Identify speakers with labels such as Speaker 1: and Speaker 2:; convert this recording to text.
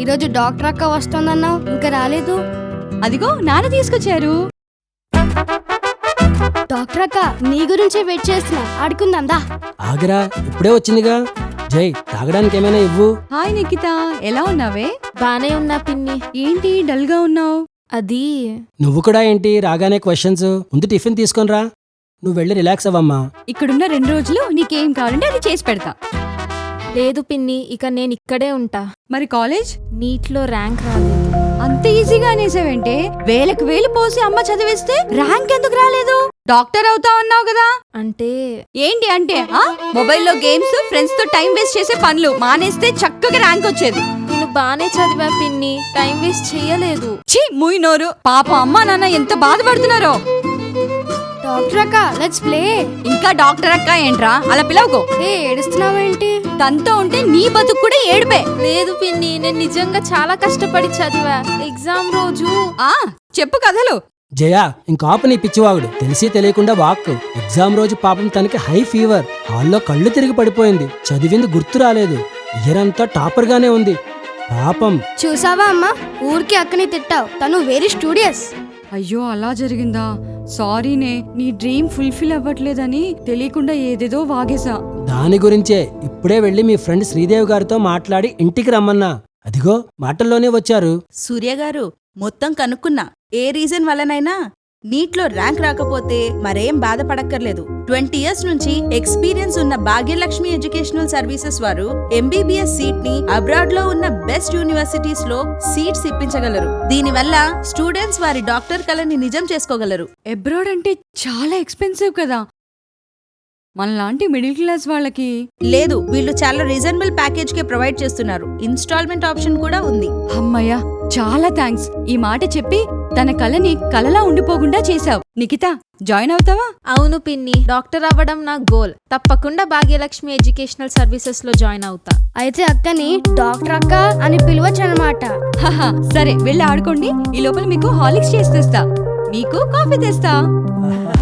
Speaker 1: ఈరోజు డాక్టర్ అక్క వస్తుందన్నావు, ఇంకా రాలేదు.
Speaker 2: అదిగో నాన్న తీసుకొచ్చారు.
Speaker 1: డాక్టర్ అక్క నీ గురించే వెయిట్ చేస్తున్నా, ఆడుకుందా.
Speaker 3: ఆగరా, ఇప్పుడే వచ్చిందిగా. జై, తాగడానికి ఏమైనా ఇవ్వు.
Speaker 2: హాయ్ నిఖిత, ఎలా ఉన్నావే?
Speaker 4: బానే ఉన్నా పిన్ని.
Speaker 2: ఏంటి డల్ గా ఉన్నావు?
Speaker 4: అది
Speaker 3: నువ్వు కూడా ఏంటి రాగానే క్వశ్చన్స్? ముందు టిఫిన్ తీసుకొనిరా, నువ్వు వెళ్ళి రిలాక్స్ అవ్వమ్మా.
Speaker 2: ఇక్కడున్న 2 రోజులు నీకేం కావాలంటే అది చేసి పెడతా.
Speaker 4: లేదు పిన్ని, ఇక నేను ఇక్కడే ఉంటా.
Speaker 2: మరి కాలేజ్?
Speaker 4: నీట్లో ర్యాంక్ రాలేదు.
Speaker 2: అంత ఈజీగా అనేసావంటే? వేలకు వేలు పోసి అమ్మ చదివిస్తే ర్యాంక్ ఎందుకు రాలేదు? డాక్టర్ అవుతా అన్నావు కదా.
Speaker 4: అంటే
Speaker 2: ఏంటి అంటే మొబైల్లో గేమ్స్, ఫ్రెండ్స్ తో టైం వేస్ట్ చేసే పనులు మానేస్తే చక్కగా ర్యాంక్ వచ్చేది.
Speaker 4: నేను బానే చదివా పిన్ని, టైం వేస్ట్ చెయ్యలేదు.
Speaker 2: ఛీ, మూయి నోరు. పాప అమ్మా నాన్న ఎంత బాధపడుతున్నారో.
Speaker 1: డాక్టర్ అక్క లెట్స్ ప్లే.
Speaker 2: ఇంకా డాక్టర్ అక్క ఏంట్రా, అలా పిలవకో.
Speaker 1: ఏడుస్తున్నావేంటి?
Speaker 2: తనతో ఉంటే నీ బతుకు కూడా ఏడుపే.
Speaker 4: లేదు పిన్ని, నేను నిజంగా చాలా కష్టపడి చదివా. ఎగ్జామ్ రోజు
Speaker 2: చెప్పు కథలు.
Speaker 3: జయా, ఇంకాపు నీ పిచ్చివాగుడు. తెలిసి తెలియకుండా వాక్. ఎగ్జామ్ రోజు పాపం తనకి హై ఫీవర్, హాల్లో కళ్ళు తిరిగి పడిపోయింది. చదివింది గుర్తు రాలేదు. ఇయర్ అంతా టాపర్ గానే ఉంది పాపం.
Speaker 1: చూసావా అమ్మా, ఊరికి అక్కని తిట్టావు, తను వెరీ స్టూడియస్.
Speaker 2: అయ్యో, అలా జరిగిందా? సారీనే, నీ డ్రీమ్ ఫుల్ఫిల్ అవ్వట్లేదని తెలియకుండా ఏదేదో వాగేశా.
Speaker 3: దాని గురించే ఇప్పుడే వెళ్ళి మీ ఫ్రెండ్ శ్రీదేవి గారితో మాట్లాడి ఇంటికి రమ్మన్నా. అదిగో మాటల్లోనే వచ్చారు.
Speaker 5: సూర్య గారు, మొత్తం కనుక్కున్నా. ఏ రీజన్ వల్లనైనా నీట్లో ర్యాంక్ రాకపోతే మరేం బాధపడక్కర్లేదు. 20 years నుంచి ఎక్స్పీరియన్స్ ఉన్న భాగ్యలక్ష్మి ఎడ్యుకేషనల్ సర్వీసెస్ వారు MBBS సీట్ ని అబ్రాడ్ లో ఉన్న బెస్ట్ యూనివర్సిటీస్ లో సీట్స్ ఇప్పించగలరు. దీనివల్ల స్టూడెంట్స్ వారి డాక్టర్ కలని నిజం చేసుకోగలరు.
Speaker 2: అబ్రాడ్ అంటే చాలా ఎక్స్పెన్సివ్ కదా. మనలాంటి మిడిల్ క్లాస్ వాళ్ళకి
Speaker 5: లేదు, వీళ్ళు చాలా రీజనబుల్ ప్యాకేజ్ కే ప్రొవైడ్ చేస్తున్నారు. ఇన్స్టాల్మెంట్ ఆప్షన్ కూడా ఉంది.
Speaker 2: అమ్మయ్యా, చాలా థ్యాంక్స్. ఈ మాట చెప్పి తన కళని కలలా ఉండిపోకుండా చేశావు. నిఖిత, జాయిన్ అవుతావా?
Speaker 4: అవును పిన్ని, డాక్టర్ అవ్వడం నా గోల్. తప్పకుండా భాగ్యలక్ష్మి ఎడ్యుకేషనల్ సర్వీసెస్ లో జాయిన్ అవుతా.
Speaker 1: అయితే అక్కని డాక్టర్ అక్క అని పిలవచ్చు అన్నమాట.
Speaker 2: సరే, వెళ్ళి ఆడుకోండి. ఈ లోపల మీకు హార్లిక్స్ చేసి తెస్తా, మీకు కాఫీ తెస్తా.